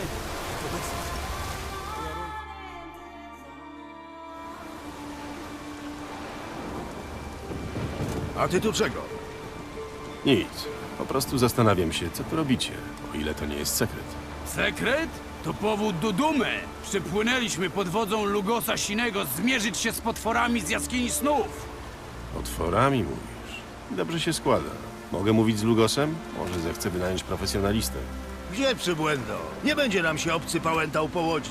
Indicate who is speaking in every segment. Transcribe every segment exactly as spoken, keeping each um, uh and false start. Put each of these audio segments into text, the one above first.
Speaker 1: A ty tu czego?
Speaker 2: Nic. Po prostu zastanawiam się, co tu robicie, o ile to nie jest sekret.
Speaker 3: Sekret? To powód do dumy. Przypłynęliśmy pod wodzą Lugosa Sinego zmierzyć się z potworami z jaskini snów.
Speaker 2: Potworami mówisz. Dobrze się składa. Mogę mówić z Lugosem? Może zechce wynająć profesjonalistę.
Speaker 1: Gdzie przybłędo? Nie będzie nam się obcy pałętał po łodzi.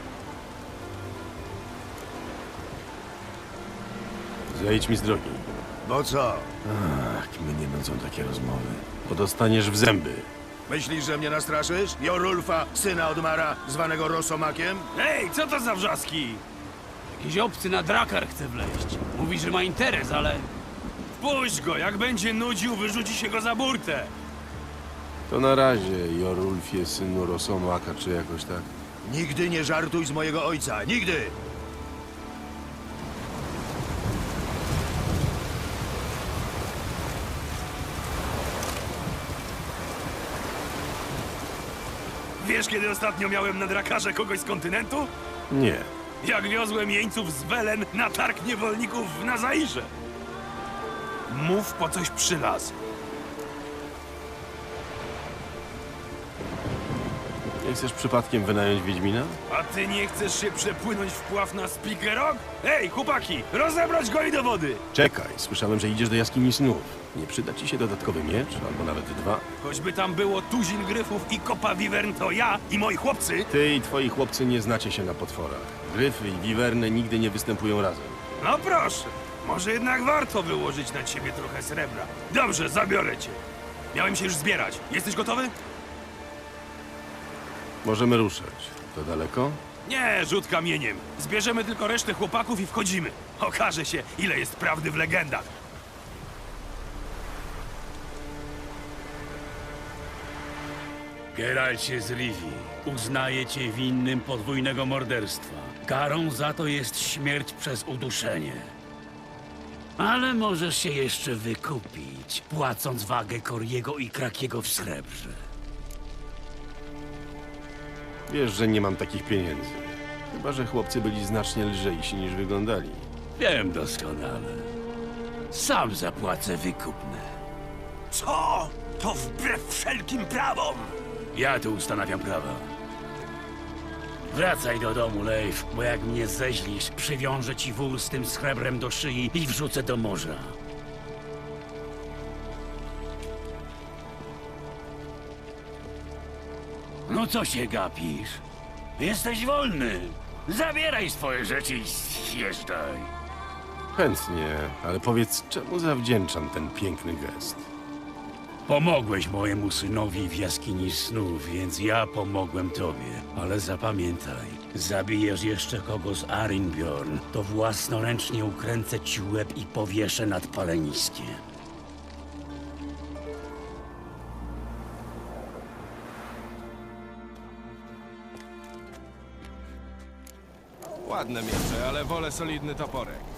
Speaker 2: Zejdź mi z drogi.
Speaker 1: Bo co?
Speaker 2: Ach, mnie nudzą takie rozmowy. Bo dostaniesz w zęby.
Speaker 1: Myślisz, że mnie nastraszysz? Jorulfa, syna Odmara, zwanego Rosomakiem?
Speaker 3: Ej, co to za wrzaski? Jakiś obcy na drakar chce wleźć. Mówi, że ma interes, ale... Puść go, jak będzie nudził, wyrzuci się go za burtę.
Speaker 2: To na razie, Jorulfie, synu Rosomaka, czy jakoś tak.
Speaker 1: Nigdy nie żartuj z mojego ojca, nigdy!
Speaker 4: Wiesz, kiedy ostatnio miałem na drakarze kogoś z kontynentu?
Speaker 2: Nie.
Speaker 4: Jak wiozłem jeńców z Welen na targ niewolników w Nazairze. Mów, po coś przylazł.
Speaker 2: Nie chcesz przypadkiem wynająć Wiedźmina?
Speaker 4: A ty nie chcesz się przepłynąć w pław na Spikerok? Ej, chłopaki, rozebrać go i do wody!
Speaker 2: Czekaj, słyszałem, że idziesz do jaskini snów. Nie przyda ci się dodatkowy miecz? Albo nawet dwa?
Speaker 4: Choćby tam było tuzin gryfów i kopa wiwern, to ja i moi chłopcy.
Speaker 2: Ty i twoi chłopcy nie znacie się na potworach. Gryfy i wiwerny nigdy nie występują razem.
Speaker 4: No proszę, może jednak warto wyłożyć na ciebie trochę srebra. Dobrze, zabiorę cię. Miałem się już zbierać. Jesteś gotowy?
Speaker 2: Możemy ruszać. To daleko?
Speaker 4: Nie, rzut kamieniem. Zbierzemy tylko resztę chłopaków i wchodzimy. Okaże się, ile jest prawdy w legendach.
Speaker 3: Geralcie z Rivi, uznaję cię winnym podwójnego morderstwa. Karą za to jest śmierć przez uduszenie. Ale możesz się jeszcze wykupić, płacąc wagę Koriego i Krakiego w srebrze.
Speaker 2: Wiesz, że nie mam takich pieniędzy. Chyba że chłopcy byli znacznie lżejsi niż wyglądali.
Speaker 3: Wiem doskonale. Sam zapłacę wykupne.
Speaker 4: Co? To wbrew wszelkim prawom!
Speaker 3: Ja tu ustanawiam prawa. Wracaj do domu, Leif, bo jak mnie zeźlisz, przywiążę ci wół z tym srebrem do szyi i wrzucę do morza. No co się gapisz? Jesteś wolny. Zabieraj swoje rzeczy i zjeżdżaj.
Speaker 2: Chętnie, ale powiedz, czemu zawdzięczam ten piękny gest?
Speaker 3: Pomogłeś mojemu synowi w jaskini snów, więc ja pomogłem tobie. Ale zapamiętaj, zabijesz jeszcze kogo z Arinbjorn, to własnoręcznie ukręcę ci łeb i powieszę nad paleniskiem.
Speaker 5: Ładne miecze, ale wolę solidny toporek.